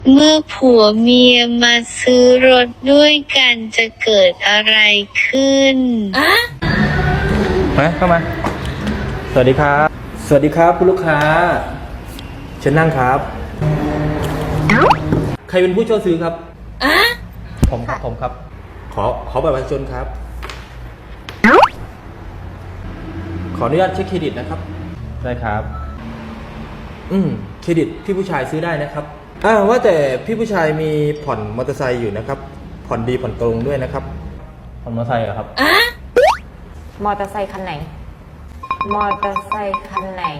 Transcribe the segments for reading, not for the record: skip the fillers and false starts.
เมื่อผัวเมียมาซื้อรถด้วยกันจะเกิดอะไรขึ้นมาเข้ามาสวัสดีครับสวัสดีครับคุณลูกค้าเชิญนั่งครับใครเป็นผู้เช่าซื้อครับผมครับ ขอบัตรประชาชนครับขออนุญาตเช็คเครดิตนะครับได้ครับเครดิตพี่ผู้ชายซื้อได้นะครับว่าแต่พี่ผู้ชายมีผ่อนมอเตอร์ไซค์อยู่นะครับผ่อนดีผ่อนตรงด้วยนะครับผ่อนมอเตอร์ไซค์เหรอครับมอเตอร์ไซค์คันไหนมอเตอร์ไซค์คันไหน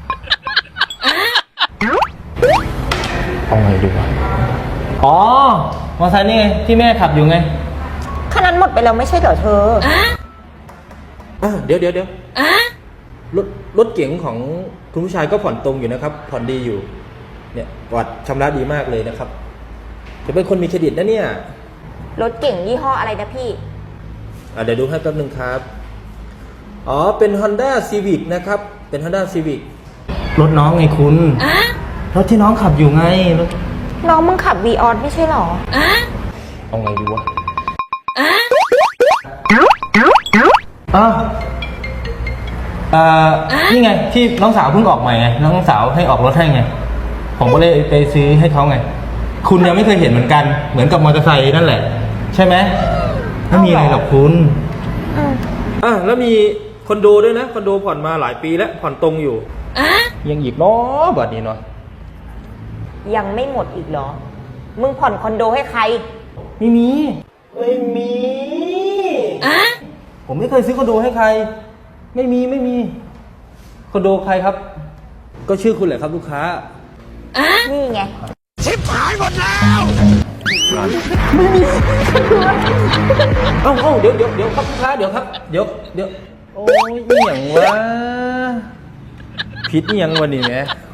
เอาไงดีวะอ๋อมอเตอร์ไซค์นี่ไงที่แม่ขับอยู่ไงคันนั้นหมดไปแล้วไม่ใช่เหรอเธอเดี๋ยวรถเก๋งของคุณผู้ชายก็ผ่อนตรงอยู่นะครับผ่อนดีอยู่เนี่ยประวัติชำระดีมากเลยนะครับจะเป็นคนมีเครดิตนะเนี่ยรถเก่งยี่ห้ออะไรนะพี่เดี๋ยวดูให้แป๊บนึงครับเป็น Honda Civic นะครับเป็น Honda Civic รถน้องไงคุณรถที่น้องขับอยู่ไงน้องมึงขับ Vios ไม่ใช่หรอเอาไงดีวะนี่ไงที่น้องสาวเพิ่งออกใหม่ไงน้องสาวให้ออกรถให้ไงผมก็เลยไปซื้อให้เขาไงคุณยังไม่เคยเห็นเหมือนกันเหมือนกับมอเตอร์ไซค์นั่นแหละใช่ไหมไม่มีอะไรหรอกคุณแล้วมีคอนโดด้วยนะคอนโดผ่อนมาหลายปีแล้วผ่อนตรงอยู่ยังอีกเนาะบัดนี้เนาะยังไม่หมดอีกเหรอมึงผ่อนคอนโดให้ใครไม่มีผมไม่เคยซื้อคอนโดให้ใครไม่มีคอนโดใครครับก็ชื่อคุณแหละครับลูกค้านี่ไงชิบหายหมดแล้วเดี๋ยวครับลูกค้าเดี๋ยวครับเดี๋ยวโอ้ยอย่างวะผิดอย่างวันนี้ไง